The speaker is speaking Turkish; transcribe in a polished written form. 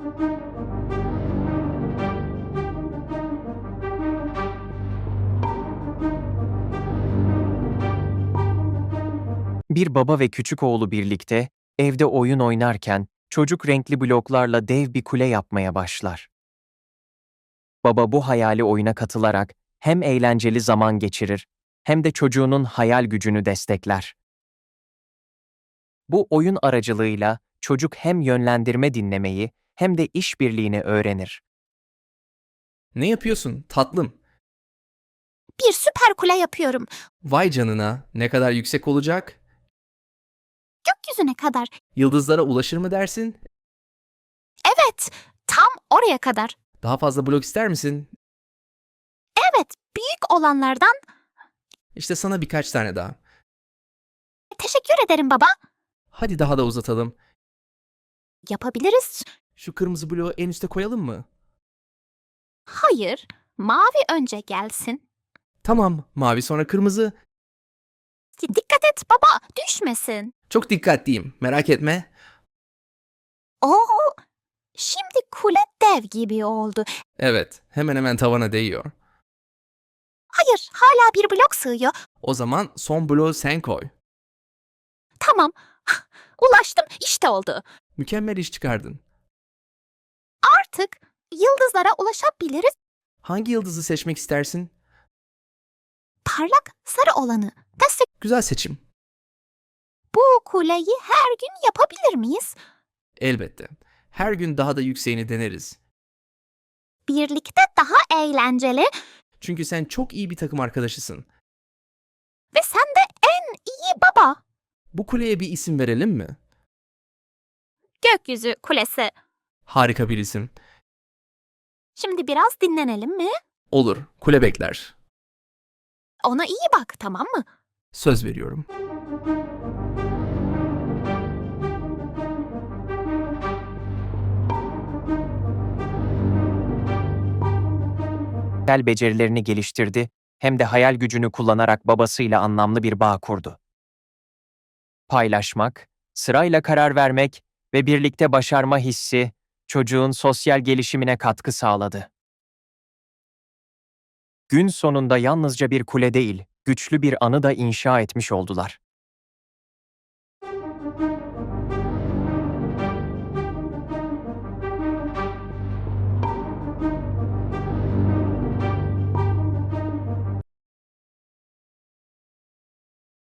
Bir baba ve küçük oğlu birlikte evde oyun oynarken çocuk renkli bloklarla dev bir kule yapmaya başlar. Baba bu hayali oyuna katılarak hem eğlenceli zaman geçirir hem de çocuğunun hayal gücünü destekler. Bu oyun aracılığıyla çocuk hem yönlendirme dinlemeyi hem de işbirliğini öğrenir. Ne yapıyorsun tatlım? Bir süper kule yapıyorum. Vay canına, ne kadar yüksek olacak? Gökyüzüne kadar. Yıldızlara ulaşır mı dersin? Evet, tam oraya kadar. Daha fazla blok ister misin? Evet, büyük olanlardan. İşte sana birkaç tane daha. Teşekkür ederim baba. Hadi daha da uzatalım. Yapabiliriz. Şu kırmızı bloğu en üste koyalım mı? Hayır, mavi önce gelsin. Tamam, mavi sonra kırmızı. Dikkat et baba, düşmesin. Çok dikkatliyim, merak etme. Oo, şimdi kule dev gibi oldu. Evet, hemen hemen tavana değiyor. Hayır, hala bir blok sığıyor. O zaman son bloğu sen koy. Tamam, ulaştım, işte oldu. Mükemmel iş çıkardın. Artık yıldızlara ulaşabiliriz. Hangi yıldızı seçmek istersin? Parlak sarı olanı. Güzel seçim. Bu kuleyi her gün yapabilir miyiz? Elbette. Her gün daha da yükseğini deneriz. Birlikte daha eğlenceli Çünkü sen çok iyi bir takım arkadaşısın. ve sen de en iyi baba. Bu kuleye bir isim verelim mi? Gökyüzü kulesi. Harika bir isim. Şimdi biraz dinlenelim mi? Olur, kule bekler. Ona iyi bak, tamam mı? Söz veriyorum. Hayal becerilerini geliştirdi hem de hayal gücünü kullanarak babasıyla anlamlı bir bağ kurdu. Paylaşmak, sırayla karar vermek ve birlikte başarma hissi çocuğun sosyal gelişimine katkı sağladı. Gün sonunda yalnızca bir kule değil, güçlü bir anı da inşa etmiş oldular.